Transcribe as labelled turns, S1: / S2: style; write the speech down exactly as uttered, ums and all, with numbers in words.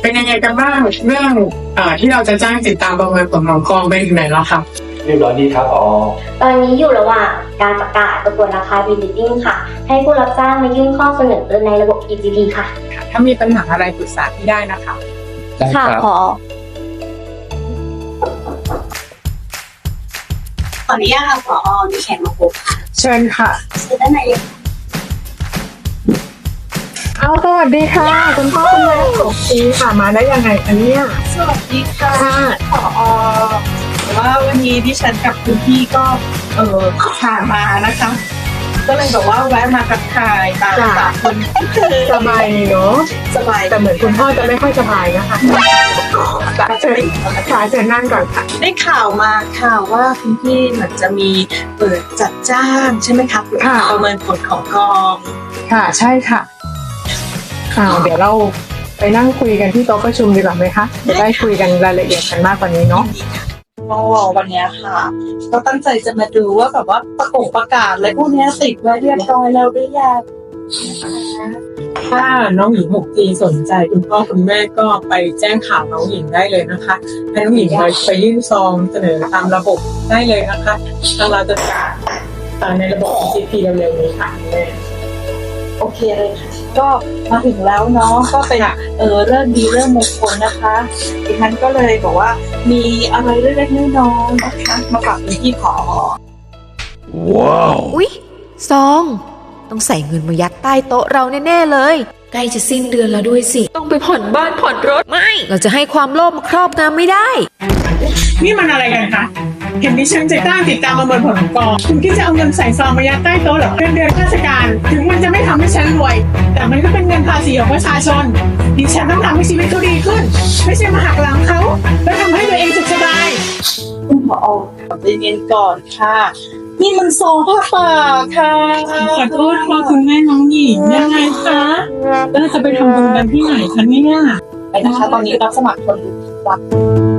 S1: เป็นยังไงกันบ้างเรื่องเอ่อที่เราจะจ้างติดตามประเมินผลของกองไปถึงไหนแล้วครับ
S2: เรียบร้อยดีครับอ๋อ
S3: ตอนนี้อยู่ระหว่างการประกาศประกวดราคา Bidding ค่ะให้ผู้รับจ้างมายื่นข้อเสนอในระบบ อี จี พี ค่ะ
S1: ถ้ามีปัญหาอะไรปรึกษาพี่ได้นะคะ
S3: ค่ะขอ
S4: ขออนุญาตค่ะผอมีแขกมาพบค่ะ
S1: เชิญค่ะ
S4: เชิญด้านในเลย
S1: เอาสวัสดีค่ะคุณพ่อคุณแม่ของพีค่ะมาได้ยังไงคะเนี่ย
S4: สวัสดีค่ะผอว่าวันนี้ดิฉันกับคุณพี่ก็เออผ่านมานะคะก็เลยแบบว่าแวะมาทักทายตามตามคน
S1: สบายเนาะ
S4: สบาย
S1: แต่เหมือนคุณพ่อจะไม่ค่อยสบายนะคะเชิญค่ะเชิญนั่งก่อนค่ะ
S4: ได้ข่าวมาข่าวว่าคุณพี่เหมือนจะมีเปิดจัดจ้างใช่ไหมคะประเมินผลของกอง
S1: ค่ะใช่ค่ะค่ะเดี๋ยวเราไปนั่งคุยกันที่โต๊ะประชุมดีกว่าไหมคะจะได้คุยกันรายละเอียดกันมากกว่านี้เนาะ
S4: ก็วันนี้ค่ะก็ตั้งใจจะมาดูว่าแบบว่าประกาศประกาศอะไรพวกนี้ติดไว้เรียบร้อยแล้วหรือยัง
S1: ถ้าน้องหญิง หกจี สนใจคุณพ่อคุณแม่ก็ไปแจ้งข่าวน้องหญิงได้เลยนะคะให้น้องหญิงไปยื่นซองเสนอตามระบบได้เลยนะคะทางเราจะจัดในระบบ อี จี พี เร็วๆนี้ค่ะแม่
S4: โอเคเลยค่ะก็มาถึงแล้วเนาะก็เป็นเออเรื่องดีเรื่องมงคลนะคะดิฉันก็เลยบอกว่ามีอะไรเล็กๆน้อยๆนะคะมาฝากคุณพี่ผอ
S5: ว้าวอุ๊ยซองต้องใส่เงินมายัดใต้โต๊ะเราแน่ๆเลยใกล้จะสิ้นเดือนแล้วด้วยสิต้องไปผ่อนบ้านผ่อนรถไม่เราจะให้ความโลภมาครอบงำไม่ได้
S1: นี่มันอะไรกันคะเห็นดิฉันจะตั้งติดตามประเมินผลของกองคุณคิดจะเอาเงินใส่ซองมายัดใต้โต๊ะเหรอเงินเดือนข้าราชการถึงมันจะไม่ทำให้ฉันรวยแต่มันก็เป็นเงินภาษีของประชาชนดิฉันต้องทำให้ชีวิตเขาดีขึ้นไม่ใช่มาหักหลังเขาแล้วทำให้ตัวเองสุขสบาย
S4: คุณผอใจเย็นก่อนค่ะนี่มันซองผ้าป่าค่ะ
S1: ขอโทษค่ะคุณแม่น้องหญิงยังไงคะแล้วจะไปทำบุญกันที่ไหนคะเนี่ย
S4: ไปนะคะตอนนี้รับสมัครคนรับ